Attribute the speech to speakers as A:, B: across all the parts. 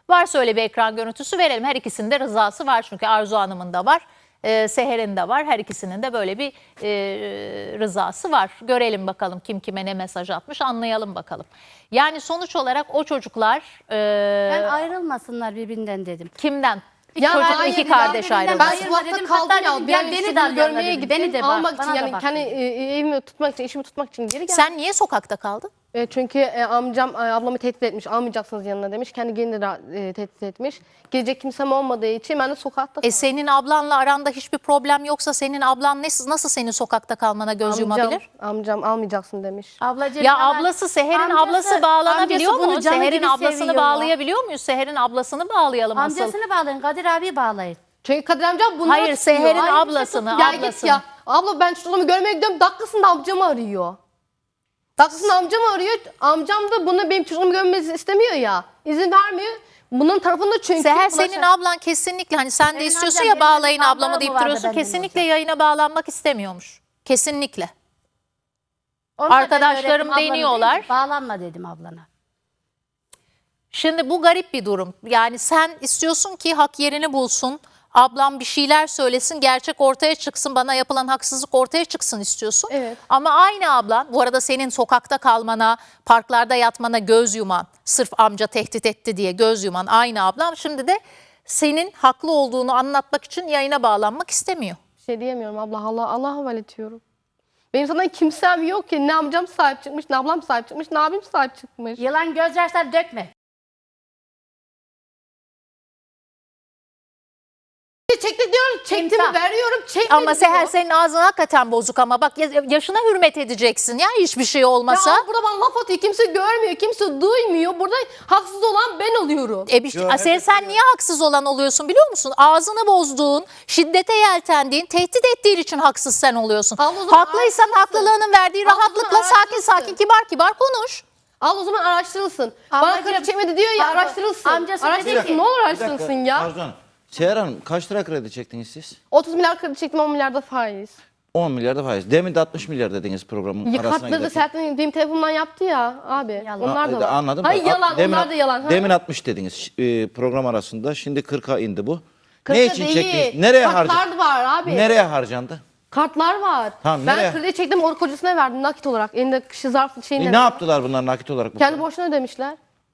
A: Varsa öyle bir ekran görüntüsü verelim. Her ikisinin de rızası var çünkü Arzu Hanım'ın da var. Seher'in de var. Her ikisinin de böyle bir rızası var. Görelim bakalım kim kime ne mesaj atmış, anlayalım bakalım. Yani sonuç olarak o çocuklar
B: Ben ayrılmasınlar birbirinden dedim.
A: kimden?
B: Ya
A: Çocuk
B: hayır,
A: iki
B: ya
A: kardeş
B: birinden
A: ayrıldı.
C: Ben
B: Hayır,
C: sokakta
B: dedim,
C: kaldım
B: hatta
C: ya.
B: dedim,
C: Bir
B: gel
C: an
B: beni
C: işte
B: de
C: bunu
B: arıyorlar
C: görmeye
B: dedim.
C: gittim.
B: Beni de bak,
C: Almak
B: bana
C: için
B: da
C: yani
B: bak
C: kendi
B: dedim.
C: evimi tutmak için, işimi tutmak için geri geldim.
A: Sen niye sokakta kaldın?
C: Çünkü amcam ablamı tehdit etmiş. Almayacaksınız yanına demiş. Kendi gelini de tehdit etmiş. Gelecek kimsem olmadığı için ben de sokakta kaldım.
A: Senin ablanla aranda hiçbir problem yoksa senin ablan nasıl senin sokakta kalmana göz yumabilir?
C: Amcam almayacaksın demiş.
B: Ablacığım,
A: Ya
B: yalan.
A: ablası Seher'in
B: Amcası-
A: ablası bağlanabiliyor
B: amcası bunu
A: mu?
B: canı
A: Seher'in
B: gibi
A: ablasını
B: seviyor.
A: bağlayabiliyor muyuz? Seher'in ablasını bağlayalım asıl.
B: Amcasını bağlayın, Kadir abi bağlayın.
C: Çünkü Kadir amcam bunları
A: Hayır,
C: tutuyor.
A: Seher'in
C: Aynı
A: ablasını,
C: şey tutuyor. Ya
A: ablasını.
C: git ya. Abla ben çocuğumu görmeye gidiyorum. Dakikasında amcamı arıyor. Dakikasında amcamı arıyor. Amcam da bunu benim çocuğumu görmesi istemiyor ya. İzin vermiyor. Bunun tarafında çünkü.
A: Seher senin ablan kesinlikle hani sen de
B: Benim
A: istiyorsun
B: amcam
A: ya
B: benim
A: bağlayın
B: ablam
A: ablamı
B: mı
A: deyip
B: vardı
A: duruyorsun.
B: benden
A: Kesinlikle
B: hocam?
A: yayına bağlanmak istemiyormuş. Kesinlikle.
B: Onu da ben
A: Arkadaşlarım
B: öğrettim, ablanı
A: deniyorlar.
B: dedim, bağlanma dedim ablana.
A: Şimdi bu garip bir durum. Yani sen istiyorsun ki hak yerini bulsun. Ablam bir şeyler söylesin, gerçek ortaya çıksın, bana yapılan haksızlık ortaya çıksın istiyorsun.
C: Evet.
A: Ama aynı ablan, bu arada senin sokakta kalmana, parklarda yatmana göz yuman, sırf amca tehdit etti diye göz yuman aynı ablam şimdi de senin haklı olduğunu anlatmak için yayına bağlanmak istemiyor.
C: Bir şey diyemiyorum abla. Allah'a havale ediyorum. Benim sana kimsem yok ki. Ne amcam sahip çıkmış, ne ablam sahip çıkmış, ne abim sahip çıkmış.
B: Yılan gözyaşları dökme.
C: Çekti diyorum, çektim
B: İmza.
C: veriyorum, çekmedi
A: Ama Seher
C: diyor.
A: senin ağzın hakikaten bozuk ama bak yaşına hürmet edeceksin ya hiçbir şey olmasa.
C: Ya burada bana laf atıyor, kimse görmüyor, kimse duymuyor. Burada haksız olan ben oluyorum.
A: Sen niye haksız olan oluyorsun biliyor musun? Ağzını bozduğun, şiddete yeltendiğin, tehdit ettiğin için haksız sen oluyorsun.
C: Abla o zaman
A: Haklıysan
C: araştırırsın.
A: haklılığının verdiği
C: Abla o zaman
A: rahatlıkla sakin
C: araştırırsın.
A: sakin kibar kibar konuş.
C: Al o zaman araştırılsın. Bana
B: Ablacığım,
C: kredi çekmedi diyor ya,
B: abla,
C: araştırılsın.
B: amcası dedi
C: Araştırılsın,
B: ki-
C: ne olur
D: Bir
C: araştırılsın
D: dakika,
C: ya.
D: Arzu Hanım. Seher Hanım kaç lira kredi çektiniz siz?
C: 30 milyar kredi çektim, 10 milyar da faiz.
D: 10 milyar da faiz. Demin de 60 milyar dediniz programın arasına
C: Kartları da
D: giderken.
C: Serhat'ın benim telefonumdan yaptı ya abi.
B: Yalan.
C: Onlar da var.
D: Anladım.
C: Hayır
D: da,
C: yalan, onlar da yalan. Ha?
D: Demin 60 dediniz program arasında. Şimdi 40'a indi bu.
C: Kırkta
D: Ne için
C: değil.
D: çektiniz? Nereye harcandı?
C: Kartlar var abi.
D: Nereye harcandı?
C: Kartlar var.
D: Tamam,
C: ben
D: nereye?
C: kredi çektim, onu kocasına verdim nakit olarak. Elinde kişi zarf şeyinde.
D: Ne yaptılar bunlar nakit olarak? bu
C: Kendi
D: kadar?
C: borçlarını ödemişler.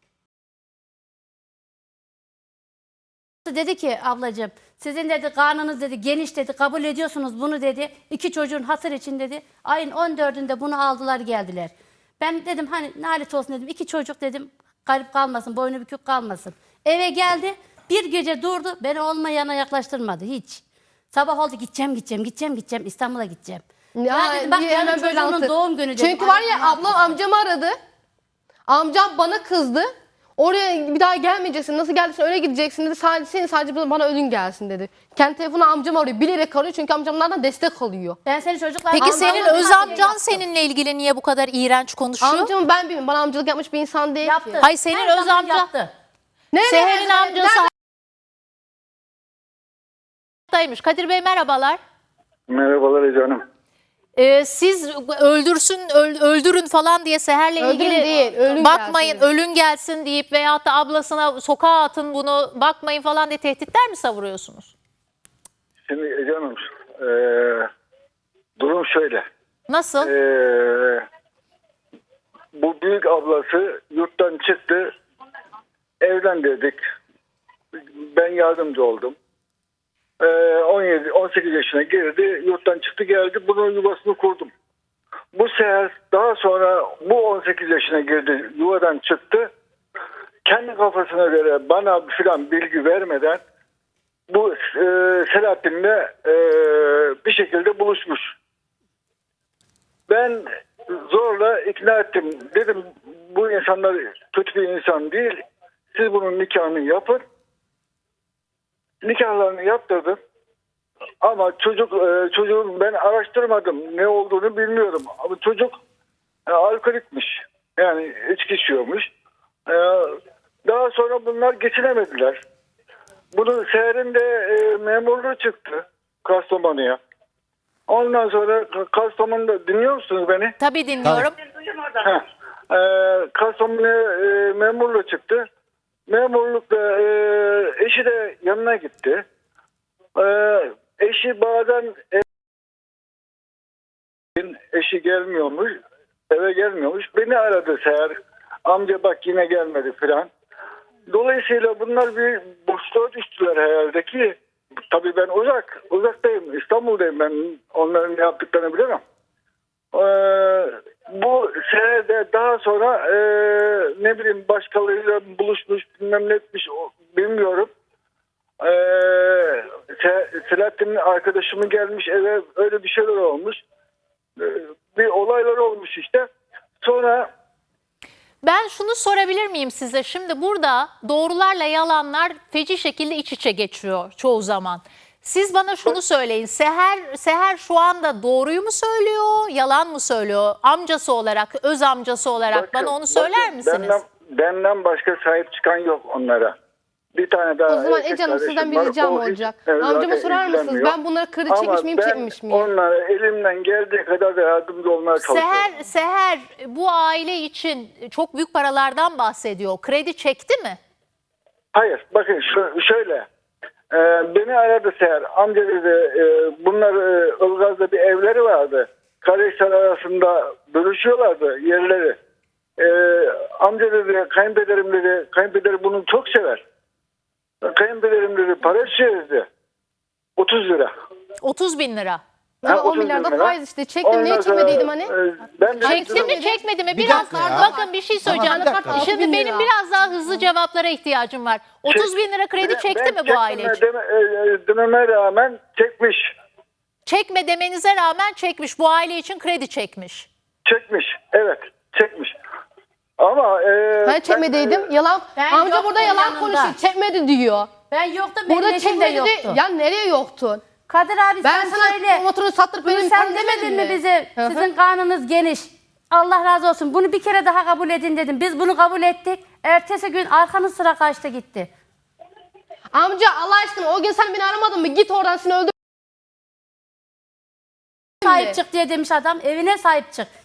B: Dedi ki ablacığım sizin dedi karnınız dedi geniş dedi kabul ediyorsunuz bunu dedi. 2 çocuğun hatır için dedi. Ayın 14'ünde bunu aldılar geldiler. Ben dedim hani nalet olsun dedim 2 çocuk dedim garip kalmasın boynu bükük kalmasın. Eve geldi bir gece durdu beni olmayana yaklaştırmadı hiç. Sabah oldu gideceğim İstanbul'a gideceğim. Ben dedim bak
C: niye
B: yarın
C: hemen böyle
B: çocuğunun
C: anlatır?
B: doğum günü dedim.
C: Çünkü var ya
B: Ay,
C: ablam amcamı aradı. Amcam bana kızdı. Oraya bir daha gelmeyeceksin. Nasıl geldiysen öyle gideceksin dedi. Sadece bana ölün gelsin dedi. Kendi telefonu amcam arıyor. Bilerek arıyor çünkü amcamlardan destek alıyor.
B: Ben seni çocuklar...
A: Peki senin
B: Amcamın
A: öz
B: haberi
A: amcan
B: yaptı.
A: seninle ilgili niye bu kadar iğrenç konuşuyor?
C: Amcamı ben bilmiyorum. Bana amcalık yapmış bir insan değil
B: Yaptı.
C: ki.
A: Hayır, senin
B: Her
A: öz
B: zaman
A: amca-
B: yaptı.
C: Nereye?
A: Seher'in
C: Nerede?
A: amcası hayattaymış. Kadir Bey merhabalar.
E: Merhabalar Ece Hanım.
A: Siz öldürün falan diye Seher'le
C: Öldürün
A: ilgili
C: değil, ölün
A: bakmayın
C: gelsin.
A: ölün gelsin deyip veyahut da ablasına sokağa atın bunu bakmayın falan diye tehditler mi savuruyorsunuz?
E: Şimdi Ece Hanım durum şöyle.
A: Nasıl?
E: Bu büyük ablası yurttan çıktı. Evlendirdik. Ben yardımcı oldum. 18 yaşına girdi. Yurttan çıktı geldi. Bunun yuvasını kurdum. Bu Seher daha sonra bu 18 yaşına girdi. Yuvadan çıktı. Kendi kafasına göre bana filan bilgi vermeden bu Selahattin'le bir şekilde buluşmuş. Ben zorla ikna ettim. Dedim bu insanlar kötü bir insan değil. Siz bunun nikahını yapın. Nikahlarını yaptırdım. Ama çocuğun ben araştırmadım. Ne olduğunu bilmiyorum. Ama çocuk alkolikmiş. Yani içki içiyormuş. Daha sonra bunlar geçinemediler. Bunun Seher'in de memurluğu çıktı Kastamonu'ya. Ondan sonra Kastamonu'da dinliyor musunuz beni?
A: Tabii dinliyorum.
E: Kastamonu'ya memurluğu çıktı. memurlukta eşi de yanına gitti. Eşi bazen eşi gelmiyormuş, eve gelmiyormuş. Beni aradı Seher. Amca bak yine gelmedi filan. Dolayısıyla bunlar bir boşluğa düştüler herhalde ki. Tabii ben uzaktayım. İstanbul'dayım ben. Onların ne yaptıklarını bilemem. Bu senede daha sonra ne bileyim başkalarıyla buluşmuş bilmem ne etmiş bilmiyorum. Selahattin'in arkadaşımı gelmiş eve öyle bir şeyler olmuş. Bir olaylar olmuş işte. Sonra
A: Ben şunu sorabilir miyim size? Şimdi burada doğrularla yalanlar feci şekilde iç içe geçiyor çoğu zaman. Siz bana şunu söyleyin. Seher şu anda doğruyu mu söylüyor, yalan mı söylüyor? Amcası olarak, öz amcası olarak bana onu söyler misiniz?
E: Benden başka sahip çıkan yok onlara. Bir tane daha
C: O zaman
E: erkek
C: Ece Hanım sizden
E: kardeşim
C: bir
E: var.
C: ricam
E: O hiç-
C: olacak.
E: evet,
C: Amcama
E: zaten
C: sorar mısınız?
E: ilgilenmiyor.
C: Ben bunları kredi
E: Ama
C: çekmiş miyim, çekmemiş miyim?
E: onlara elimden geldiği kadar da yardımcı olmaya çalışıyorum.
A: Seher bu aile için çok büyük paralardan bahsediyor. Kredi çekti mi?
E: Hayır bakın şöyle. Beni aradı Seher. Amca dedi bunlar Ilgaz'da bir evleri vardı. Kardeşler arasında bölüşüyorlardı yerleri. Amca dedi kayınpederim bunu çok sever. Kayınpederim dedi para çevirdi. 30 lira.
A: 30 bin lira.
C: Ama 10
E: 30
C: milyarda
E: lira.
C: faiz işte. Çektim,
E: Ondan
C: niye
E: sonra,
C: çekmediydim hani?
E: Ben de
A: Çekti mi çekmedi mi?
D: Bir
A: Biraz
D: dakika ya.
A: bakın bir şey söyleyeceğim.
D: Tamam, bir dakika.
A: Şimdi
C: 6.000
A: benim
C: lira.
A: biraz daha hızlı cevaplara ihtiyacım var. 30 bin lira kredi çekti mi bu aile için?
E: Dememe rağmen çekmiş.
A: Çekme demenize rağmen çekmiş. Bu aile için kredi çekmiş.
E: Çekmiş. Evet çekmiş. Ama
C: Hani çekmediydim. Yalan.
B: Ben
C: Amca
B: yoktum
C: burada yalan
B: yanında.
C: konuşuyor. Çekmedi diyor.
B: Ben yoktum, benim
C: Burada
B: eşim de
C: çekmedi
B: yoktu.
C: de. Ya nereye yoktun?
B: Kadir abi
C: Ben
B: sen
C: sana
B: söyle.
C: motoru sattırıp
B: Bunu
C: benim
B: sen
C: param
B: demedin mi
C: demedim
B: bize?
C: Hı hı.
B: Sizin karnınız geniş. Allah razı olsun. Bunu bir kere daha kabul edin dedim. Biz bunu kabul ettik. Ertesi gün arkanız sıra kaçtı gitti.
C: Amca Allah aşkına o gün sen beni aramadın mı? Git oradan seni öldür.
B: Sahip çık diye demiş adam. Evine sahip çık.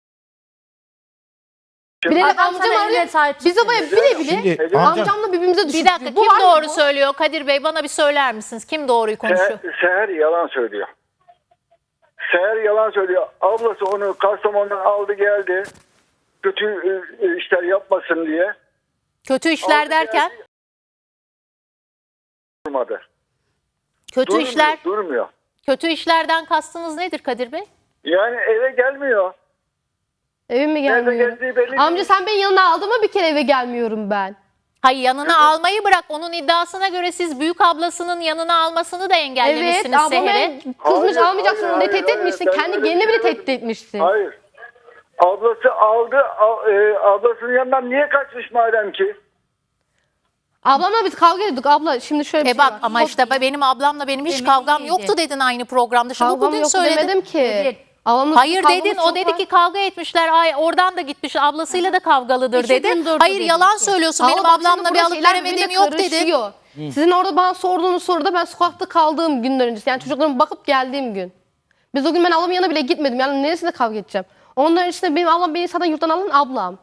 C: Bilerek
B: Adam
C: amcam
B: sana
C: arıyor.
B: evine sahip
C: Biz
B: çıktı.
C: de bile bile
D: Şimdi amcam-
C: amcamla birbirimize düştük.
A: Bir dakika
C: Bu
A: kim
C: var mı
A: doğru
C: bu?
A: söylüyor? Kadir Bey bana bir söyler misiniz? Kim doğruyu konuşuyor?
E: Seher yalan söylüyor. Seher yalan söylüyor. Ablası onu Kastamonu'dan aldı geldi. Kötü işler yapmasın diye.
A: Kötü işler
E: Aldı
A: derken?
E: geldi, durmadı.
A: Kötü işler.
E: Durmuyor.
A: Kötü işlerden kastınız nedir Kadir Bey?
E: Yani eve gelmiyor.
C: Evime
E: Nerede
C: gelmiyor.
E: geldiği belli
C: Amca
E: değil.
C: sen beni yanına aldın mı bir kere eve gelmiyorum ben.
A: Hayır yanına almayı bırak. Onun iddiasına göre siz büyük ablasının yanına almasını da
C: Evet
A: engellemişsiniz
C: ablama
A: Seher'e.
C: kızmış
E: Hayır,
C: almayacaksın
E: hayır,
C: diye tehdit
E: hayır,
C: etmişsin.
E: ben
C: Kendi
E: öyle
C: geline
E: bir
C: bile
E: şey
C: tehdit etmişsin.
E: Hayır. Ablası aldı. Ablasının yanından niye kaçmış madem ki?
C: Ablamla biz kavga ediyorduk abla şimdi şöyle bir şey
A: Bak
C: var.
A: ama işte benim ablamla benim hiç
B: Emin
A: kavgam
B: değildi.
A: yoktu dedin aynı programda. Şimdi
C: Kavgam
A: bugün
C: yok
A: söyledin.
C: demedim ki.
B: Evet.
C: Ablamla
A: Hayır
C: kavgamız
A: dedin
C: çok
A: o dedi
C: var.
A: ki kavga etmişler. Ay oradan da gitmiş ablasıyla da kavgalıdır
B: 2
A: dedi.
B: gün durdu
A: Hayır
B: dedi
A: yalan
B: ki.
A: söylüyorsun.
C: Ama
A: Benim
C: bak şimdi
A: ablamla bir
C: burada
A: alıp
C: şeyler
A: veremediğim
C: birbirine
A: yok dedin.
C: karışıyor. Sizin orada bana sorduğunuz soruda ben sokakta kaldığım günden öncesi. Yani çocuklarıma bakıp geldiğim gün. Biz o gün ben ablamın yanına bile gitmedim. Yani neresinde kavga edeceğim? Ondan öncesinde benim ablam beni zaten yurttan alan ablam.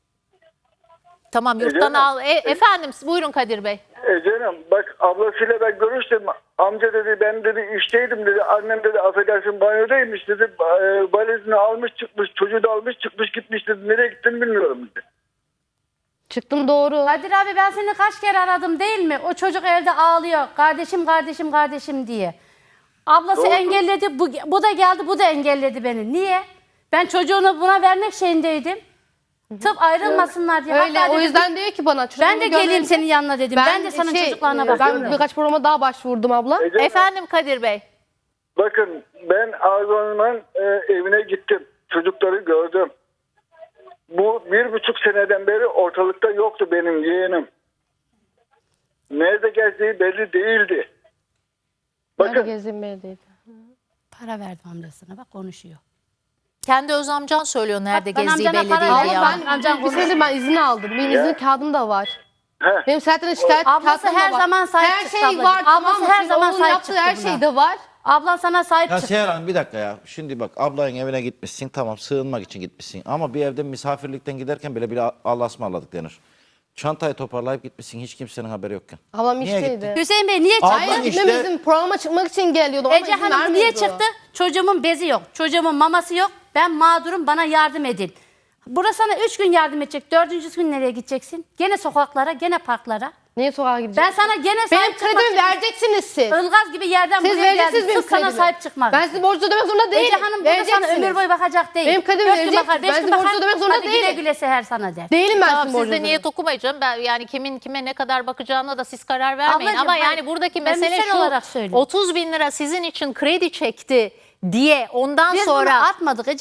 A: Tamam yurttan
E: Canım.
A: al. Efendim buyurun Kadir Bey.
E: Canım bak ablasıyla ben görüştüm. Amca dedi ben dedi işteydim dedi. Annem dedi affedersin banyodaymış dedi. Valizini almış çıkmış. Çocuğu da almış çıkmış gitmiş dedi. Nereye gittiğini bilmiyorum dedi.
C: Çıktım doğru.
B: Kadir abi ben seni kaç kere aradım değil mi? O çocuk evde ağlıyor. Kardeşim kardeşim kardeşim diye. Ablası
E: Doğru.
B: engelledi. Bu da geldi bu da engelledi beni. Niye? Ben çocuğunu buna vermek şeyindeydim. Tıp ayrılmasınlar diye.
C: Öyle
B: Hatta
C: o
B: dedim,
C: yüzden diyor ki bana.
B: ben
C: çocuklarımı
B: de geleyim
C: görmeyince-
B: senin yanına dedim. Ben de senin çocuklarına bakıyorum.
C: Ben birkaç programa daha başvurdum abla.
E: Canım,
A: Efendim Kadir Bey.
E: bakın ben Arzu Hanım'ın evine gittim. Çocukları gördüm. Bu 1,5 seneden beri ortalıkta yoktu benim yeğenim. Nerede gezdiği belli değildi.
C: Bakın.
E: Bakın
C: Gezdiğim belediyede.
B: Para verdim amcasına bak konuşuyor.
A: Kendi öz amcan söylüyor nerede
B: ben
A: gezdiği
B: amcana
A: belli
B: para
A: değil
B: verdim.
A: ya.
C: Ben
B: Amcam
C: bir senedir ben izin aldım. Benim izin kağıdım da var. Benim Selahattin'e şikayet
B: Ablası
C: kağıtım da
B: her
C: var.
B: zaman sahip
C: her
B: çıktı
C: şey
B: ablacığım.
C: var.
B: Ablası
C: Tamam mı?
B: her
C: Şimdi
B: zaman
C: onun
B: sahip
C: yaptığı
B: çıktı
C: her
B: buna.
C: şey de var.
B: Ablan sana sahip
D: Ya
B: çıktı.
D: Seher Hanım bir dakika ya. Şimdi bak ablanın evine gitmişsin tamam sığınmak için gitmişsin. Ama bir evde misafirlikten giderken bile Allah'a ısmarladık denir. Çantayı toparlayıp gitmişsin hiç kimsenin haberi yokken.
C: Ablam
D: Niye
C: işteydi.
D: gittin?
B: Hüseyin Bey niye çıktı?
D: Ablam
C: Hayır
D: işte-
C: gitmemizin programa çıkmak için geliyordu. Ona
B: Ece
C: izin
B: Hanım niye
C: vermiyordu.
B: çıktı? Çocuğumun bezi yok. Çocuğumun maması yok. Ben mağdurum, bana yardım edin. Burası sana 3 gün yardım edecek. 4. gün nereye gideceksin? Gene sokaklara, gene parklara.
C: Niye sokağa gidecek?
B: Ben sana gene
C: Benim
B: sahip çıkmak
C: kredimi
B: için-
C: vereceksiniz siz.
B: Ilgaz gibi yerden
C: Siz
B: buraya
C: vereceksiniz
B: geldim.
C: benim
B: Sırf sana
C: kredimi.
B: sahip çıkmak.
C: Ben sizi borcu ödemek zorunda değilim.
B: Ece Hanım burada sana ömür boyu bakacak değil.
C: Benim kredimi
B: 4 gün
C: vereceksiniz.
B: bakar, 5
C: Ben
B: gün
C: sizi borcu
B: bakar.
C: ödemek zorunda
B: Hadi güle
C: değilim.
B: güle Seher sana der.
C: Değilim ben
A: Tamam
C: sizin
A: siz de
C: borcunuzu.
A: niyet okumayacağım. Ben yani kimin kime ne kadar bakacağına da siz karar vermeyin.
B: Ablacığım,
A: Ama
B: hayır.
A: yani buradaki
B: Ben
A: mesele
B: misal
A: şu.
B: olarak söylüyorum.
A: 30 bin lira sizin için kredi çekti diye ondan
B: Biz
A: sonra
B: bunu atmadık Ece